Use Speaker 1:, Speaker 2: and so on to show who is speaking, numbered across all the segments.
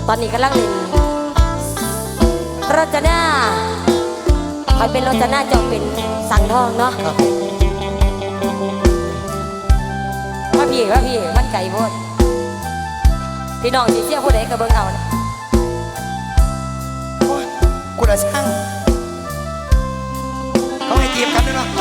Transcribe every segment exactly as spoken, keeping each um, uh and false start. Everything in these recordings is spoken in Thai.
Speaker 1: ตอนนี้กำลังเล่นรจนาคอยเป็นรจนาเจ้าเป็นสังทองเนาะว่าพี่ว่าพี่มันไก่โพดพี่น้องที่เชี่ยวผู้ใดก็เบิ่งเอานะ
Speaker 2: กูละช่างเขาให้จีบกันด้วยเนาะ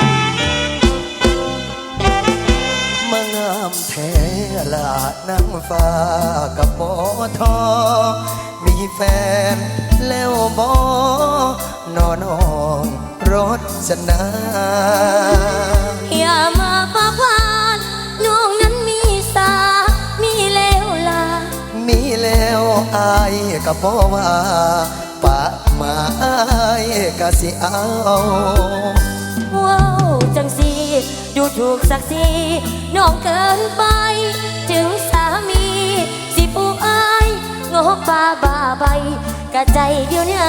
Speaker 2: มางามแท้ละนางฟ้ากับหมอทอมีแฟนแล้วบอนอนห้องรถชนะ
Speaker 1: อย่ามาปะพานน้องนั้นมีสามีแล้วล่ะ
Speaker 2: มีแล้วอายกับบ่ว่าปะมาอายก็สิเอา
Speaker 1: ว้าวจังสีดูถูกศักดิ์ศรีน้องเกินไปถึงสามีสิผู้อายงบบ้าบ้าใบกะใจเดียวเนี่ย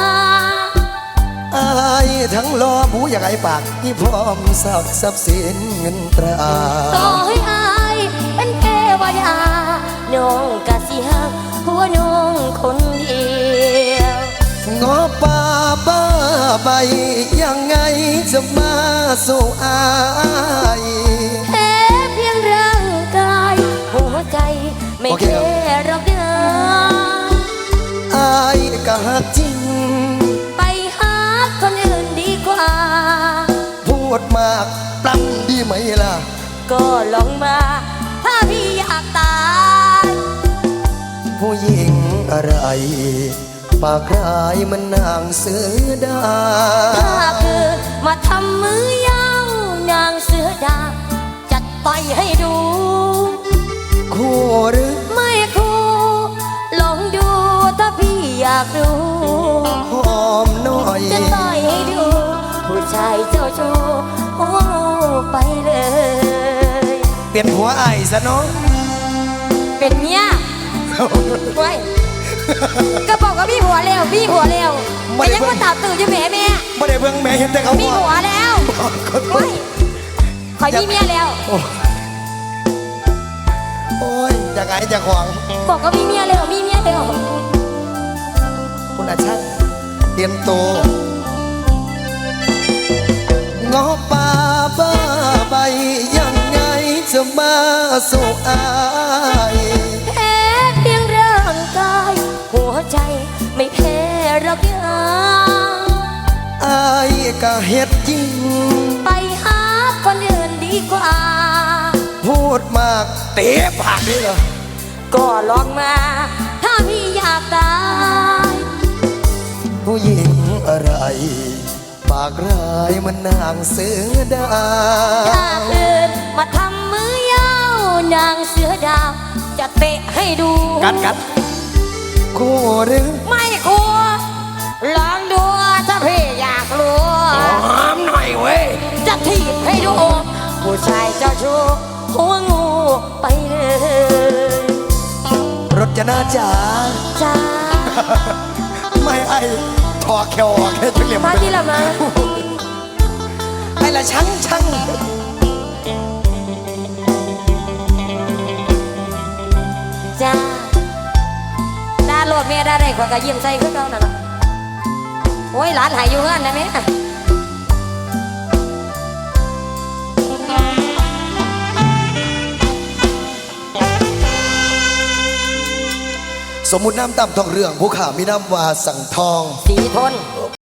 Speaker 2: อายทั้งรอผู้อยากไอ้ปากที่พร้อมสักทรัพย์สินเงินตรา
Speaker 1: ต่อให้อายเป็นเทวดาน้องกะสิหักหัวน้องคนเดียว
Speaker 2: งอป่าบ้าใบยังไงจะมาสู่อาย
Speaker 1: แค่เพียงร่างกายหัวใจไม่แค่รอกเดิม
Speaker 2: อายก็หักจริง
Speaker 1: ไปหาคนอื่นดีกว่า
Speaker 2: พูดมากปล้ำดีไหมล่ะ
Speaker 1: ก็ลองมาถ้าพี่อยากตาย
Speaker 2: ผู้หญิงอะไรปากร้ายมันนางเสือดา
Speaker 1: ถ้าเกิดมาทำมือยาวนางเสือดาจัดต่อยให้ดู
Speaker 2: คู่หรือ
Speaker 1: ไม่คู่ลองดูถ้าพี่อยากดู
Speaker 2: หอมหน่อย
Speaker 1: จะต่อยให้ดูผู้ชายเจ้าชู้โอ้ไปเลย
Speaker 2: เปลี่ยนหัวไอ้ซะน้อง
Speaker 1: เป็นเนี้ยไว้ก็บอกว่าพี่หัวเร็วพี่หัวเร็วแต่ยังว่าตาตื่นอยู่แม่แม่
Speaker 2: ไม่ได้เบิ่งแม่เห็นแต่เขา
Speaker 1: พี่หัวแล้วไว้คอยพี่เมียแล้ว
Speaker 2: โอ้ยจะไงจะขวาง
Speaker 1: บอกว่าพี่เมียเร็วพี่เมียเร็ว
Speaker 2: คุณอาช่างเตรียมตัวงอป่าบ้าใบยังไงจะมาสู่อาย
Speaker 1: แพ้เพียงร่างกายหัวใจไม่แพ้รักยัง
Speaker 2: อายก็เฮ็ดจริง
Speaker 1: ไปหาคนอื่นดีกว่า
Speaker 2: พูดมากเตะปากนี่เหรอ
Speaker 1: ก็ลองมาถ้าพี่อยากตาย
Speaker 2: ผู้หญิงอะไรปากร้ายมันนางเสือดา
Speaker 1: ถ้าเกิดมาทำมือยาวนางเสือดาวจะเตะให้ดู
Speaker 2: กัดกัดคู่หรือ
Speaker 1: ไม่คู่ลองดูถ้าพี่อยากรู้
Speaker 2: หอมหน่อยเว้ย
Speaker 1: จะถีบให้ดูผู้ชายเจ้าชู้หัวงูไปเลย
Speaker 2: รถจะน่าจ๋า
Speaker 1: จ้า
Speaker 2: ไม่ไอ้ถอแควแค่ทุเรียน
Speaker 1: มาที่ละมา
Speaker 2: ไอ้ละช่างช่าง
Speaker 1: จ้าดาโหลดเมียได้ไรกว่าก็ยิ้มใส่ขึ้นเราน่ะโอ้ยหลานหายอยู่เงินนะแม่
Speaker 2: สมมุติน้ำต่ำทองเรื่องผู้ข่ามีน้ำว่าสั่งทอง
Speaker 1: สีทน